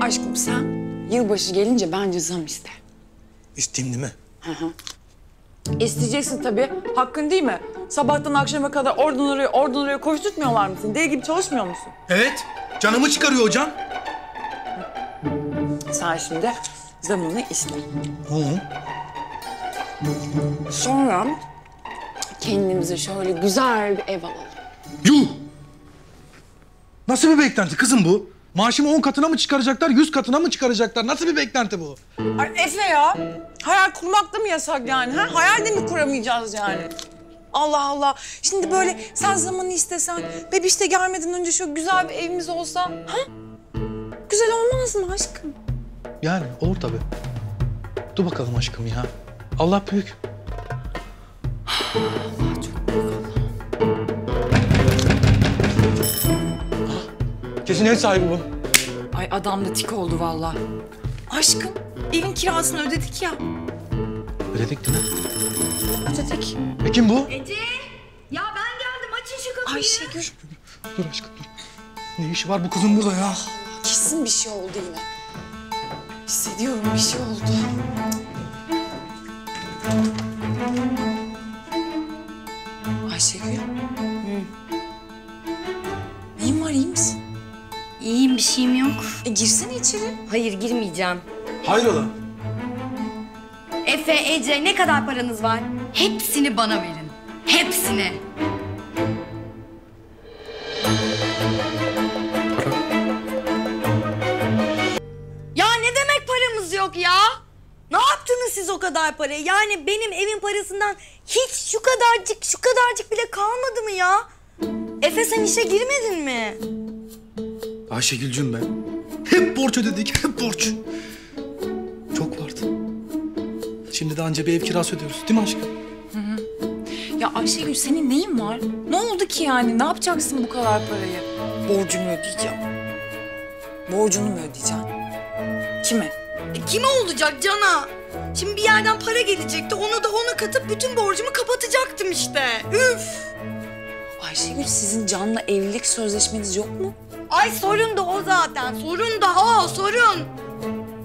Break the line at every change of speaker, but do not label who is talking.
Aşkım sen yılbaşı gelince bence zam iste.
İsteyeyim değil mi?
Hı hı. İsteyeceksin tabii. Hakkın değil mi? Sabahtan akşama kadar oradan oraya koşturtmuyorlar mısın? Deli gibi çalışmıyor musun?
Evet. Canımı çıkarıyor hocam.
Sen şimdi zamını iste.
Hı.
Sonra kendimize şöyle güzel bir ev alalım.
Yuh! Nasıl bir beklenti kızım bu? Maaşımı 10 katına mı çıkaracaklar, 100 katına mı çıkaracaklar? Nasıl bir beklenti bu?
Ay Efe ya, hayal kurmak da mı yasak yani? Ha? Hayal de mi kuramayacağız yani? Allah Allah. Şimdi böyle sen zamanı istesen, bebiş de gelmeden önce şu güzel bir evimiz olsa, ha? Güzel olmaz mı aşkım?
Yani olur tabii. Dur bakalım aşkım ya. Allah büyük.
Allah çok büyük Allah.
Kesin ev sahibi bu.
Ay adam da tik oldu vallahi. Aşkım, evin kirasını ödedik ya.
Ödedik değil mi?
Ödedik.
Kim bu?
Ece! Ya ben geldim, açın şu kapıyı.
Ayşegül.
Dur aşkım dur. Ne işi var bu kızın burada ya?
Kesin bir şey oldu yine. Hissediyorum bir şey oldu. Ayşegül. Neyin var, iyi misin?
İyiyim, bir şeyim yok.
Girsene içeri.
Hayır, girmeyeceğim.
Hayrola?
Efe, Ece, ne kadar paranız var? Hepsini bana verin. Hepsini. Ya ne demek paramız yok ya? Ne yaptınız siz o kadar parayı? Yani benim evin parasından hiç şu kadarcık bile kalmadı mı ya? Efe sen işe girmedin mi?
Ayşegül'cüm ben. Hep borç ödedik, hep borç. Çok vardı. Şimdi de anca bir ev kirası ödüyoruz değil mi aşkım?
Ya Ayşegül senin neyin var? Ne oldu ki yani? Ne yapacaksın bu kadar parayı? Borcumu ödeyeceğim. Borcunu mu ödeyeceksin? Kime?
Kime olacak Can'a? Şimdi bir yerden para gelecekti. Onu da ona katıp bütün borcumu kapatacaktım işte. Üf!
Ayşegül sizin Can'la evlilik sözleşmeniz yok mu?
Ay sorun da o zaten. Sorun da o, sorun.